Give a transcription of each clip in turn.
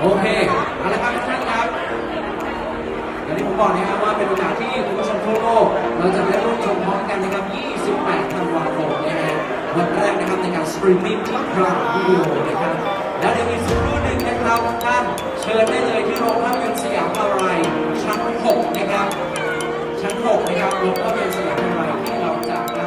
เคเอาละครับทุกท่านครับอย่างที่ผมบอกนะครับว่าเป็นโอกาสที่คุณผู้ชมทั่วโลกเราจะได้ร่วมชมพร้อมกันนะครับ 28 ธันวาคมนะฮะวันแรกนะครับในการสตรีมมิ่งที่พรามวิดีโอนะครับแล้วเดี๋ยวอีกสักครู่หนึ่งนะครับท่านเชิญได้เลยที่โรงภาพยนตร์สยามพารายชั้น 6 นะครับชั้น 6 นะครับโรงภาพยนตร์สยามพารายที่เราจะได้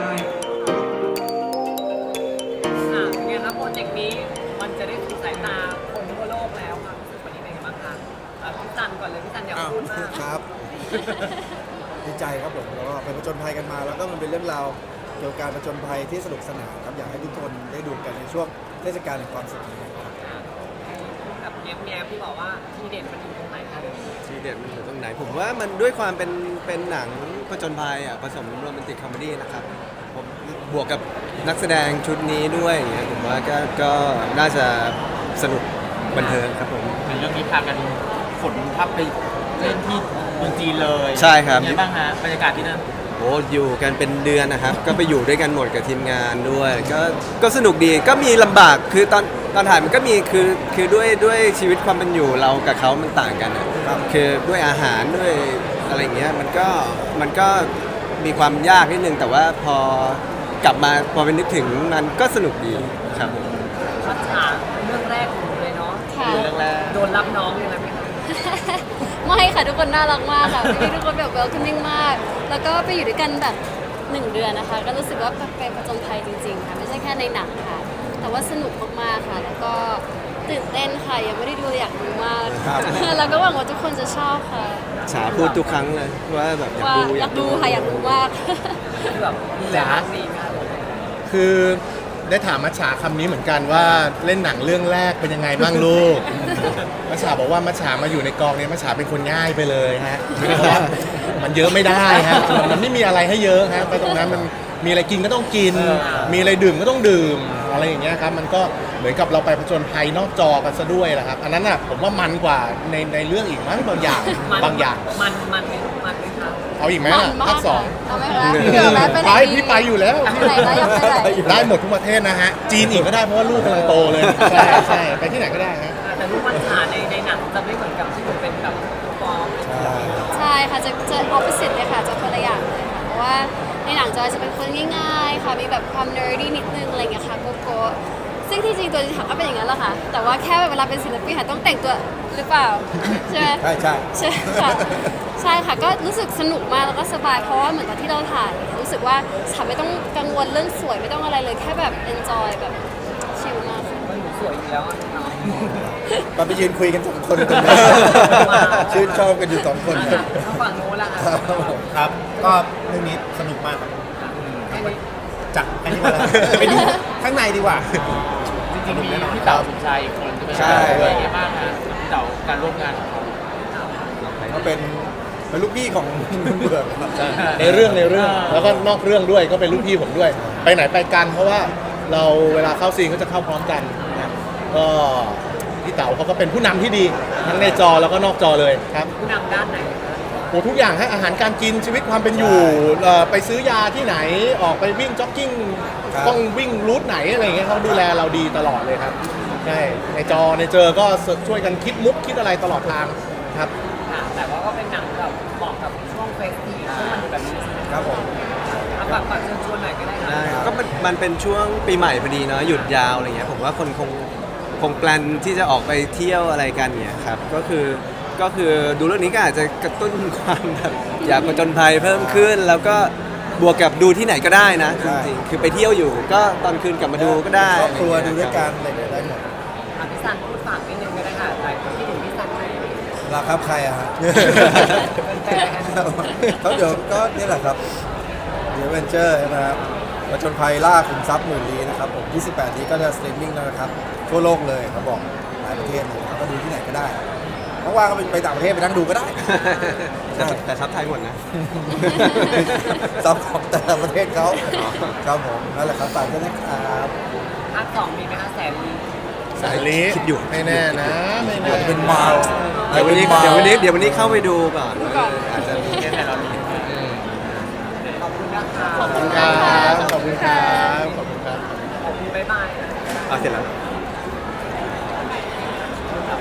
เนี่ยครับโปรเจกต์นี้มันจะได้ถูกสายตาคนทั่วโลกแล้วครับรู้สึกวันนี้เป็นไงบ้างคะพี่จันก่อนเลยพี่จันอยากพูดมากครับ ดีใจครับผมแล้วก็ไปผจญภัยกันมา แล้วก็มันเป็นเรื่องราวเกี่ยวกับการผจญภัยที่สนุกสนานครับอยากให้ทุกคนได้ดูกันในช่วงเทศกาลแห่งความสุขนี้ครับแบบแง้มๆที่บอกว่าทีเด็ดมันอยู่ตรงไหนคะทีเด็ดมันอยู่ตรงไหนผมว่ามันด้วยความเป็นหนังผจญภัยอ่ะผสมโรแมนติกคอมเมดี้นะครับผมบวกกับนักแสดงชุดนี้ด้วยอย่างเงี้ยผมว่าก็น่าจะสนุกบันเทิงครับผมเป็นเรื่องนี้พากันขนทัพไปเล่นที่เมืองจีนเลยใช่ครับเป็นไงบ้างฮะบรรยากาศที่นั่นโอ้อยู่กันเป็นเดือนนะครับ ก็ไปอยู่ด้วยกันหมดกับทีมงานด้วยก็สนุกดีก็มีลำบากคือตอนถ่ายมันก็มีคือด้วยชีวิตความเป็นอยู่เรากับเขามันต่างกันอะคือด้วยอาหารด้วยอะไรอย่างเงี้ยมันก็มีความยากนิดนึงแต่ว่าพอกลับมาพอไปนึกถึงมันก็สนุกดีครับผมพัชชาเรื่องแรกของหนูเลยเนาะค่ะเรื่องแรกโดนรับน้องยังไงไหมคะไม่ค่ะทุกคนน่ารักมากค่ะพี่ทุกคนแบบ welcoming มาก แล้วก็ไปอยู่ด้วยกันแบบ1 เดือนนะคะ ก็รู้สึกว่าเป็นผจญภัยจริงๆค่ะไม่ใช่แค่ในหนังค่ะ แต่ว่าสนุกมากๆค่ะ แล้วก็ตื่นเต้นค่ะยังไม่ได้ดูเลยอยากดูมากครับแล้วก็หวังว่าทุกคนจะชอบค่ะฉาพูดทุกครั้งเลยว่าแบบอยากว่าดูอยากดูค่ะอยากดูมากคือแบบดูแลน้องดีมากเลยคือได้ถามมัชฉาคำนี้เหมือนกันว่าเล่นหนังเรื่องแรกเป็นยังไงบ้างลูก มัชฉาบอกว่ามัชฉามาอยู่ในกองเนี้มัชฉาเป็นคนง่ายไปเลยฮะเพราะว่ามันเยอะไม่ได้ฮะมันไม่มีอะไรให้เยอะฮะไปตรงนั้นมันมีอะไรกินก็ต้องกิน มีอะไรดื่มก็ต้องดื่มอะไรอย่างเงี้ยครับมันก็เหมือนกับเราไปผจญภัยนอกจอกันซะด้วยแหละครับอันนั้นน่ะผมว่ามันกว่าในเรื่องอีกมั้งบางอย่างบางอย่างมันไหมคะเอาอีกไหมมัล่ะนมากภาคสองเอาไหมคะเดี๋ยวแม่ไปไหนไปดีพี่ไปอยู่แล้วไปไหนแล้วอยากไปไหนได้หมดทุกประเทศนะฮะ จีนอีกก็ได้เพราะว่าลูกกำลังโตเลย ใช่ใช่ไปที่ไหนก็ได้ฮะแต่ลูกพัชชาในหนังจะไม่เหมือนกับที่หนูเป็นแบบฟอร์มใช่ค่ะจะ opposite เลยค่ะจะคนละอย่างเลยค่ะเพราะว่าในหนังจอยจะเป็นคนง่ายๆค่ะมีแบบความ nerdy นิดนึงอะไรอย่างเงี้ยค่ะโกซึ่งที่จริงตัวจริงก็เป็นอย่างนั้นแหละค่ะแต่ว่าแค่เวลาเป็นศิลปินค่ะต้องแต่งตัวหรือเปล่าใช่ไหมใช่ใช่ใช่ค่ะใช่ค่ะก็รู้สึกสนุกมากแล้วก็สบายเพราะว่าเหมือนตอนที่เราถ่ายรู้สึกว่าฉันไม่ต้องกังวลเรื่องสวยไม่ต้องอะไรเลยแค่แบบ enjoy แบบชิลมากค่ะมันหนูสวยอยู่แล้วอะตอนไปยืนคุยกัน2 คนตรงนี้ชื่นชอบกันอยู่2 คนทางฝั่งโน้นล่ะค่ะครับ ก็เรื่องนี้สนุกมากครับแค่นี้จัดอันนี้มาแล้วไปดูข้างในดีกว่าจริงๆมีพี่เต๋าสุนชัยอีกคนใช่ไหมใช่เป็นไงบ้างฮะพี่เต๋าการร่วมงานของเขาก็เป็นลูกพี่ของคุณเบือกครับในเรื่องแล้วก็นอกเรื่องด้วยก็เป็นลูกพี่ผมด้วย ไปไหนไปกันเพราะว่าเราเวลาเข้าซีนก็จะเข้าพร้อมกันนะก็พี่เต๋าเขาก็เป็นผู้นำที่ดีทั้งในจอแล้วก็นอกจอเลยครับผู้นำด้านไหนคะโอ้ทุกอย่างให้อาหารการกินชีวิตความเป็นอยู่ไปซื้อยาที่ไหนออกไปวิ่งจ็อกกิ้งครับต้องวิ่งรูทไหนอะไรอย่างเงี้ยเขาดูแลเราดีตลอดเลยครับใช่ในจอในเจอก็ช่วยกันคิดมุกคิดอะไรตลอดทางครับค่ะแต่ว่าก็เป็นหนังแบบเหมาะกับช่วงเฟสทีฟช่วงมันแบบนี้ครับผมเอาฝากเชิญชวนหน่อยก็ได้ได้ค่ะก็มันเป็นช่วงปีใหม่พอดีเนาะหยุดยาวอะไรเงี้ยผมว่าคนคงแปลนที่จะออกไปเที่ยวอะไรกันเนี่ยครับก็คือดูเรื่องนี้ก็อาจจะกระตุ้นความแบบอยากผจญภัยเพิ่มขึ้น แล้วก็บวกกับดูที่ไหนก็ได้นะจริงๆคือไปเที่ยวอยู่ก็ตอนคืนกลับมาดูก็ได้ครอบครัวดูด้วยกันอะไรอย่างเงี้ยได้หมดอ่ะพี่ซันพูดฝากนิดนึงก็ได้ค่ะหลายคนที่ถึงพี่ซันไหมราครับใครอะฮะเป็นแฟนกันเขาเดี๋ยวก็นี่แหละครับเดี๋ยวเวนเจอร์นะครับผจญภัยล่าขุมทรัพย์หมื่นลี้นะครับผม28 นี้ก็จะสตรีมมิ่งแล้วนะครับทั่วโลกเลยเขาบอกหลายประเทศเลยครับก็ดูที่ไหนก็ได้ว่างๆก็ไปต่างประเทศไปนั่งดูก็ได้แต่ซับไทยหมดนะซับของแต่ละประเทศเขาครับผมนั่นแหละครับฝากด้วยนะครับภาคสองมีไหมคะแสนลีสายลีคิดอยู่ไม่แน่นะไม่แน่เป็นเมาเดี๋ยววันนี้เข้าไปดูก่อนอาจจะมีแค่ไหนเรามีขอบคุณนะคะขอบคุณครับขอบคุณครับขอบคุณครับขอบคุณบ๊ายบายเอาเสร็จแล้วข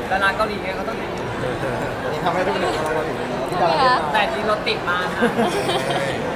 ดาราเกาหลีไงเขาต้องอย่างนี้นี่ทำให้ทุกคนเราถึงใช่ไหมคะแต่ที่รถติดมากค่ะ